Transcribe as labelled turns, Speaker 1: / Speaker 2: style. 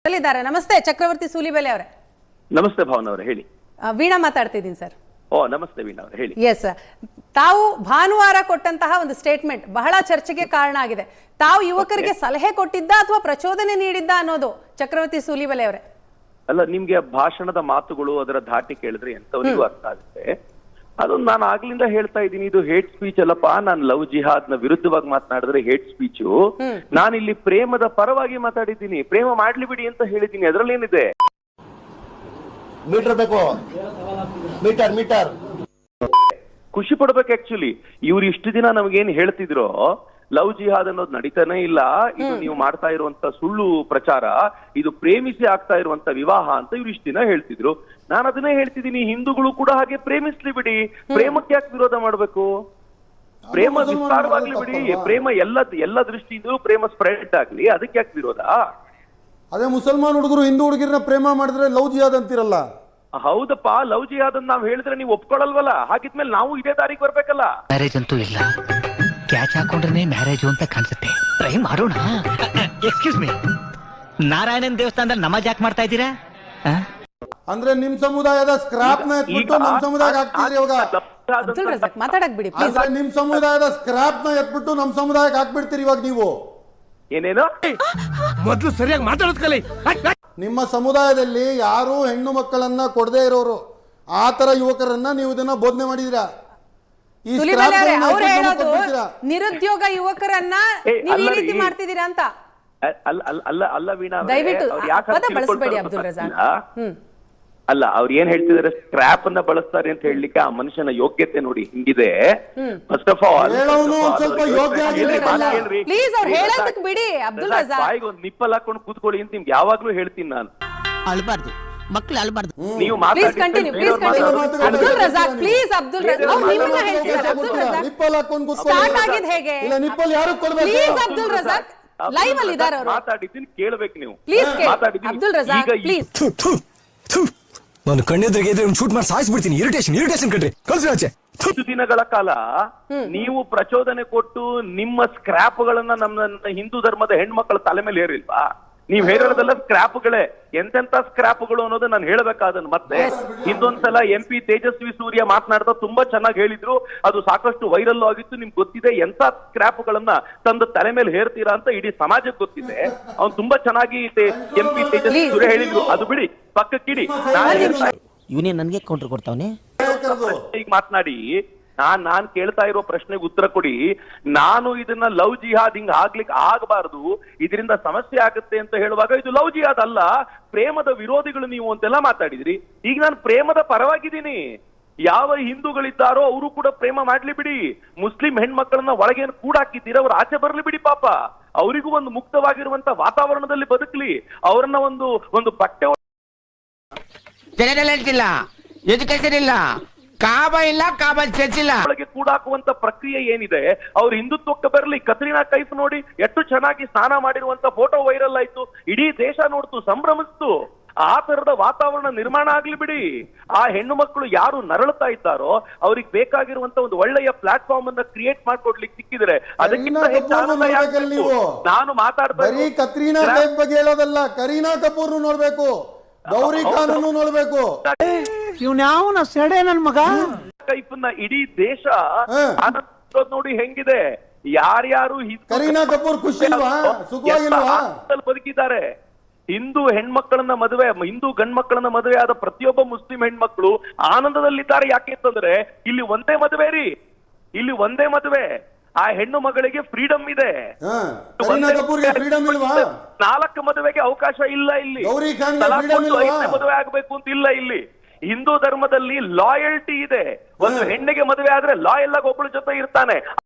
Speaker 1: ನಮಸ್ತೆ ಚಕ್ರವರ್ತಿ ಸೂಲಿಬೆಲೆ ಅವರೇ.
Speaker 2: ನಮಸ್ತೆ ಭಾವನ ಅವರೇ, ಹೇಳಿ.
Speaker 1: ವೀಣಾ ಮಾತಾಡ್ತಿದ್ದೀನಿ ಸರ್.
Speaker 2: ನಮಸ್ತೆ ವೀಣಾ ಅವರೇ, ಹೇಳಿ.
Speaker 1: ಎಸ್, ತಾವು ಭಾನುವಾರ ಕೊಟ್ಟಂತಹ ಒಂದು ಸ್ಟೇಟ್ಮೆಂಟ್ ಬಹಳ ಚರ್ಚೆಗೆ ಕಾರಣ ಆಗಿದೆ. ತಾವು ಯುವಕರಿಗೆ ಸಲಹೆ ಕೊಟ್ಟಿದ್ದ ಅಥವಾ ಪ್ರಚೋದನೆ ನೀಡಿದ್ದ ಅನ್ನೋದು ಚಕ್ರವರ್ತಿ ಸೂಲಿಬೆಲೆ ಅವರೇ?
Speaker 2: ಅಲ್ಲ, ನಿಮ್ಗೆ ಭಾಷಣದ ಮಾತುಗಳು ಅದರ ಧಾಟಿ ಕೇಳಿದ್ರೆ ಎಂತವರಿಗೂ ಅರ್ಥ ಆಗುತ್ತೆ. ಅದೊಂದು ನಾನು ಆಗ್ಲಿಂದ ಹೇಳ್ತಾ ಇದ್ದೀನಿ, ಇದು ಹೇಟ್ ಸ್ಪೀಚ್ ಅಲ್ಲಪ್ಪ. ನಾನು ಲವ್ ಜಿಹಾದ್ ನ ವಿರುದ್ಧವಾಗಿ ಮಾತನಾಡಿದ್ರೆ ಹೇಟ್ ಸ್ಪೀಚು. ನಾನಿಲ್ಲಿ ಪ್ರೇಮದ ಪರವಾಗಿ ಮಾತಾಡಿದ್ದೀನಿ. ಪ್ರೇಮ ಮಾಡ್ಲಿ ಬಿಡಿ ಅಂತ ಹೇಳಿದ್ದೀನಿ. ಅದರಲ್ಲಿ ಏನಿದೆ?
Speaker 3: ಮೀಟರ್ ಬೇಕು, ಮೀಟರ್ ಮೀಟರ್
Speaker 2: ಖುಷಿ ಪಡ್ಬೇಕು. ಆಕ್ಚುಲಿ ಇವ್ರು ಇಷ್ಟು ದಿನ ನಮಗೇನ್ ಹೇಳ್ತಿದ್ರು, ಲವ್ ಜಿಹಾದ್ ಅನ್ನೋದು ನಡೀತಾನೆ ಇಲ್ಲ, ಇದು ನೀವು ಮಾಡ್ತಾ ಇರುವಂತ ಸುಳ್ಳು ಪ್ರಚಾರ, ಇದು ಪ್ರೇಮಿಸಿ ಆಗ್ತಾ ಇರುವಂತ ವಿವಾಹ ಅಂತ ಇವ್ರು ಇಷ್ಟು ದಿನ ಹೇಳ್ತಿದ್ರು. ನಾನು ಅದನ್ನೇ ಹೇಳ್ತಿದ್ದೀನಿ, ಹಿಂದೂಗಳು ಕೂಡ ಹಾಗೆ ಪ್ರೇಮಿಸ್ಲಿ ಬಿಡಿ. ಪ್ರೇಮಕ್ಕೆ ಯಾಕೆ ವಿರೋಧ ಮಾಡ್ಬೇಕು? ಪ್ರೇಮ ವಿಸ್ತಾರವಾಗ್ಲಿ ಬಿಡಿ. ಪ್ರೇಮ ಎಲ್ಲ ದೃಷ್ಟಿಯಿಂದ ಪ್ರೇಮ ಸ್ಪ್ರೆಡ್ ಆಗ್ಲಿ, ಅದಕ್ಕೆ ಯಾಕೆ ವಿರೋಧ?
Speaker 4: ಅದೇ ಮುಸಲ್ಮಾನ್ ಹುಡುಗರು ಹಿಂದೂ ಹುಡುಗಿರನ್ನ ಪ್ರೇಮ ಮಾಡಿದ್ರೆ ಲವ್ ಜಿಹಾದ್ ಅಂತಿರಲ್ಲ.
Speaker 2: ಹೌದಪ್ಪ, ಲವ್ ಜಿಹಾದ್ ಅಂತ ನಾವ್ ಹೇಳಿದ್ರೆ ನೀವು ಒಪ್ಕೊಳಲ್ವಲ್ಲ. ಹಾಗಿದ್ಮೇಲೆ ನಾವು ಇದೇ ದಾರಿಗೆ ಬರ್ಬೇಕಲ್ಲ.
Speaker 5: ಮ್ಯಾರೇಜ್ ಅಂತೂ ಇಲ್ಲ, ಕ್ಯಾಚ್ ಹಾಕೊಂಡ್ರೆ ಮ್ಯಾರೇಜ್ ಅಂತ ಕಾಣಿಸುತ್ತೆ. ಟ್ರೈ ಮಾಡೋಣ. ಎಕ್ಸ್ಕ್ಯೂಸ್ ಮೀ, ನಾರಾಯಣನ್ ದೇವಸ್ಥಾನದಲ್ಲಿ ನಮಾಜ್ ಯಾಕೆ ಮಾಡ್ತಾ ಇದ್ದೀರಾ?
Speaker 4: ಅಂದ್ರೆ ನಿಮ್ ಸಮುದಾಯದ ಸ್ಕ್ರಾಪ್ ನ ಎತ್ಬಿಟ್ಟು ನಮ್ ಸಮುದಾಯಕ್ಕೆ ಹಾಕ್ತಿದ್ರಿ ಇವಾಗ.
Speaker 1: ಅಬ್ದುಲ್ ರಜಾಕ್ ಮಾತಾಡಕ್ ಬಿಡಿ ಪ್ಲೀಸ್.
Speaker 4: ಅಂದ್ರೆ ನಿಮ್ ಸಮುದಾಯದ ಸ್ಕ್ರಾಪ್ ನ ಎತ್ಬಿಟ್ಟು ನಮ್ ಸಮುದಾಯಕ್ಕೆ ಹಾಕ್ಬಿಡ್ತೀರಿ ಇವಾಗ ನೀವು.
Speaker 2: ಏನೇನು?
Speaker 3: ಮೊದಲು ಸರಿಯಾಗಿ ಮಾತಾಡೋದ್ ಕಲಿ.
Speaker 4: ನಿಮ್ಮ ಸಮುದಾಯದಲ್ಲಿ ಯಾರು ಹೆಣ್ಣು ಮಕ್ಕಳನ್ನ ಕೊಡದೇ ಇರೋರು, ಆ ತರ ಯುವಕರನ್ನ ನೀವು ಇದನ್ನ ಬೋಧನೆ ಮಾಡಿದಿರಾ. ಈ
Speaker 1: ಸೂಲಿಬೆಲೆ ಅವರೇ, ಅವ್ರು ಹೇಳೋದು ನಿರುದ್ಯೋಗ ಯುವಕರನ್ನ ನೀವು ಈ ರೀತಿ ಮಾಡ್ತಿದ್ದೀರಾ ಅಂತ.
Speaker 2: ಅಲ್ಲ ವೀಣಾ,
Speaker 1: ದಯವಿಟ್ಟು ಪದ ಬಳಸಬೇಡಿ ಅಬ್ದುಲ್ ರಜಾಕ್.
Speaker 2: ಅಲ್ಲ, ಅವ್ರು ಏನ್ ಹೇಳ್ತಿದಾರೆ, ಸ್ಕ್ರಾಪ್ ಅನ್ನ ಬಳಸ್ತಾರೆ ಅಂತ ಹೇಳಲಿಕ್ಕೆ ಆ ಮನುಷ್ಯನ ಯೋಗ್ಯತೆ ನೋಡಿ ಹಿಂಗಿದೆ. ಫಸ್ಟ್ ಆಫ್ ಆಲ್
Speaker 4: ಸ್ವಲ್ಪ ಯೋಗ್ಯ
Speaker 1: ಪ್ಲೀಸ್ ಅವ್ರು ಹೇಳೋದಕ್ಕೆ ಬಿಡಿ ಅಬ್ದುಲ್ ರಜಾಕ್.
Speaker 2: ಬಾಯಿಗೆ ಒಂದು ನಿಪ್ಪಲ್ ಹಾಕೊಂಡು ಕೂತ್ಕೊಳ್ಳಿ ಅಂತ ನಿಮ್ಗೆ ಯಾವಾಗ್ಲೂ ಹೇಳ್ತೀನಿ ನಾನು.
Speaker 5: ಅಳ್ಬಾರ್ದು, ಮಕ್ಕಳು ಅಳ್ಬಾರ್ದು.
Speaker 2: ನೀವು
Speaker 1: please continue, please continue. Abdul Razak please. Abdul Razak ಅವ್ರು ನಿಮ್ಮನ್ನ ಹೇಳ್ತಿದ್ದಾರೆ. ಅಬ್ದುಲ್ ರಜಾಕ್
Speaker 4: ನಿಪ್ಪಲ್ ಹಾಕೊಂಡು ಕೂತ್ಕೊಳ್ಳಿ.
Speaker 1: ಸ್ಟಾರ್ಟ್ ಆಗಿದ್ ಹೇಗೆ?
Speaker 4: ಇಲ್ಲ, ನಿಪ್ಪಲ್ ಯಾರು ಕೊಡ್ಬೇಕು?
Speaker 1: ಪ್ಲೀಸ್ ಅಬ್ದುಲ್ ರಜಾಕ್, ಲೈವ್ ಅಲ್ಲಿ ಇದ್ದಾರೆ ಅವರು.
Speaker 2: ಮಾತಾಡಿದ್ದೀನಿ, ಕೇಳಬೇಕು ನೀವು.
Speaker 1: Please Abdul Razak please.
Speaker 6: ನಾನು ಕಣ್ಣೆದ್ರಿಗೆ ಇದ್ರೆ ಶೂಟ್ ಮಾಡಿ ಸಾಯಿಸ್ಬಿಡ್ತೀನಿ. ಇರಿಟೇಷನ್ ಕಣ್ರಿ, ಕಲ್ಸಿ.
Speaker 2: ಇಷ್ಟು ದಿನಗಳ ಕಾಲ ನೀವು ಪ್ರಚೋದನೆ ಕೊಟ್ಟು ನಿಮ್ಮ ಸ್ಕ್ರಾಪ್ಗಳನ್ನ ನಮ್ಮ ಹಿಂದೂ ಧರ್ಮದ ಹೆಣ್ಮಕ್ಳ ತಲೆ ಮೇಲೆ ಹೇರಿಲ್ವಾ? ನೀವ್ ಹೇಳಿರೋದೆಲ್ಲ ಸ್ಕ್ರಾಪ್ಗಳೇ. ಎಂತೆಂತ ಸ್ಕ್ರಾಪ್ಗಳು ಅನ್ನೋದು ನಾನು ಹೇಳ್ಬೇಕಾದನ್. ಮತ್ತೆ ಇನ್ನೊಂದ್ಸಲ MP ತೇಜಸ್ವಿ ಸೂರ್ಯ ಮಾತನಾಡ್ತಾ ತುಂಬಾ ಚೆನ್ನಾಗಿ ಹೇಳಿದ್ರು, ಅದು ಸಾಕಷ್ಟು ವೈರಲ್ ಆಗಿತ್ತು. ನಿಮ್ಗೆ ಗೊತ್ತಿದೆ ಎಂತ ಸ್ಕ್ರಾಪ್ಗಳನ್ನ ತಂದು ತಲೆ ಮೇಲೆ ಹೇರ್ತೀರಾ ಅಂತ ಇಡೀ ಸಮಾಜಕ್ಕೆ ಗೊತ್ತಿದೆ. ಅವ್ನು ತುಂಬಾ ಚೆನ್ನಾಗಿ MP ತೇಜಸ್ವಿ ಸೂರ್ಯ ಹೇಳಿದ್ರು. ಅದು ಬಿಡಿ, ಪಕ್ಕಕ್ಕಿಡಿ.
Speaker 5: ಇವನೇ ನನ್ಗೆ ಕೌಂಟರ್ ಕೊಡ್ತಾವನೆ.
Speaker 2: ಈಗ ಮಾತನಾಡಿ, ನಾನ್ ಕೇಳ್ತಾ ಇರೋ ಪ್ರಶ್ನೆಗೆ ಉತ್ತರ ಕೊಡಿ. ನಾನು ಇದನ್ನ ಲವ್ ಜಿಹಾದ್ ಹಿಂಗ್ ಆಗ್ಲಿಕ್ಕೆ ಆಗಬಾರದು, ಇದರಿಂದ ಸಮಸ್ಯೆ ಆಗುತ್ತೆ ಅಂತ ಹೇಳುವಾಗ ಇದು ಲವ್ ಜಿಹಾದ್ ಅಲ್ಲ, ಪ್ರೇಮದ ವಿರೋಧಿಗಳು ನೀವು ಅಂತೆಲ್ಲ ಮಾತಾಡಿದ್ರಿ. ಈಗ ನಾನು ಪ್ರೇಮದ ಪರವಾಗಿದ್ದೀನಿ. ಯಾವ ಹಿಂದೂಗಳಿದ್ದಾರೋ ಅವರು ಕೂಡ ಪ್ರೇಮ ಮಾಡ್ಲಿ ಬಿಡಿ. ಮುಸ್ಲಿಂ ಹೆಣ್ಮಕ್ಳನ್ನ ಒಳಗೇನು ಕೂಡಾಕಿದ್ದೀರ, ಅವ್ರು ಆಚೆ ಬರ್ಲಿ ಬಿಡಿ. ಪಾಪ ಅವರಿಗೂ ಒಂದು ಮುಕ್ತವಾಗಿರುವಂತ ವಾತಾವರಣದಲ್ಲಿ ಬದುಕಲಿ. ಅವರನ್ನ ಒಂದು ಬಟ್ಟೆ
Speaker 7: ಇಲ್ಲ, ಎಜುಕೇಶನ್ ಇಲ್ಲ, ಕಾಬಾ ಇಲ್ಲ, ಕಾಬಾ ಚರ್ಚ್ ಇಲ್ಲ.
Speaker 2: ಒಳಗೆ ಕೂಡಾಕುವಂತ ಪ್ರಕ್ರಿಯೆ ಏನಿದೆ, ಅವ್ರ ಹಿಂದುತ್ವಕ್ಕೆ ಬರಲಿ. ಕತ್ರಿನಾ ಕೈಫ್ ನೋಡಿ ಎಷ್ಟು ಚೆನ್ನಾಗಿ ಸ್ನಾನ ಮಾಡಿರುವಂತ ಫೋಟೋ ವೈರಲ್ ಆಯ್ತು, ಇಡೀ ದೇಶ ನೋಡ್ತು, ಸಂಭ್ರಮಿಸ್ತು. ಆ ತರದ ವಾತಾವರಣ ನಿರ್ಮಾಣ ಆಗ್ಲಿ ಬಿಡಿ. ಆ ಹೆಣ್ಣು ಮಕ್ಕಳು ಯಾರು ನರಳುತ್ತಾ ಇದ್ದಾರೋ ಅವ್ರಿಗೆ ಬೇಕಾಗಿರುವಂತ ಒಂದು ಒಳ್ಳೆಯ ಪ್ಲಾಟ್ಫಾರ್ಮ್ ಅನ್ನ ಕ್ರಿಯೇಟ್ ಮಾಡ್ಕೊಡ್ಲಿಕ್ಕೆ ಸಿಕ್ಕಿದ್ರೆ ಅದಕ್ಕಿಂತ ನಾನು ಮಾತಾಡ್ತಾ
Speaker 4: ಕತ್ರೀನಾ ಕೈಫ್ ಬಗ್ಗೆ ಹೇಳೋದಲ್ಲ, ಕರೀನಾ ಕಪೂರ್ ನೋಡ್ಬೇಕು, ಗೌರಿ ಖಾನ್ ನೋಡ್ಬೇಕು.
Speaker 7: ಇವ್ನ್ಯಾವನ ಸೆಡೆ ನನ್ ಮಗ.
Speaker 2: ಕೈಫನ್ನ ಇಡೀ ದೇಶ ನೋಡಿ ಹೆಂಗಿದೆ. ಯಾರ್ಯಾರು
Speaker 4: ಕರೀನಾ ಕಪೂರ್ ಖುಷಿ ಇಲ್ವಾ, ಸುಖವಾಗಿಲ್ವಾ
Speaker 2: ಬದುಕಿದ್ದಾರೆ. ಹಿಂದೂ ಹೆಣ್ಮಕ್ಕಳನ್ನ ಮದುವೆ, ಹಿಂದೂ ಗಂಡ್ ಮಕ್ಕಳನ್ನ ಮದುವೆ ಆದ ಪ್ರತಿಯೊಬ್ಬ ಮುಸ್ಲಿಂ ಹೆಣ್ಮಕ್ಳು ಆನಂದದಲ್ಲಿದ್ದಾರೆ. ಯಾಕೆ ಅಂತಂದ್ರೆ ಇಲ್ಲಿ ಒಂದೇ ಮದುವೆ ರೀ, ಇಲ್ಲಿ ಒಂದೇ ಮದುವೆ. ಆ ಹೆಣ್ಣು ಮಗಳಿಗೆ ಫ್ರೀಡಮ್ ಇದೆ.
Speaker 4: ಫ್ರೀಡಮ್ ಇಲ್ವಾ?
Speaker 2: 4 ಮದುವೆಗೆ ಅವಕಾಶ ಇಲ್ಲ ಇಲ್ಲಿ. ಮದುವೆ ಆಗ್ಬೇಕು ಅಂತ ಇಲ್ಲ ಇಲ್ಲಿ. ಹಿಂದೂ ಧರ್ಮದಲ್ಲಿ ಲಾಯಲ್ಟಿ ಇದೆ. ಒಂದು ಹೆಣ್ಣಿಗೆ ಮದುವೆ ಆದ್ರೆ ಲಾಯಲ್ ಆಗಿ ಒಬ್ಬಳ ಜೊತೆ ಇರ್ತಾನೆ.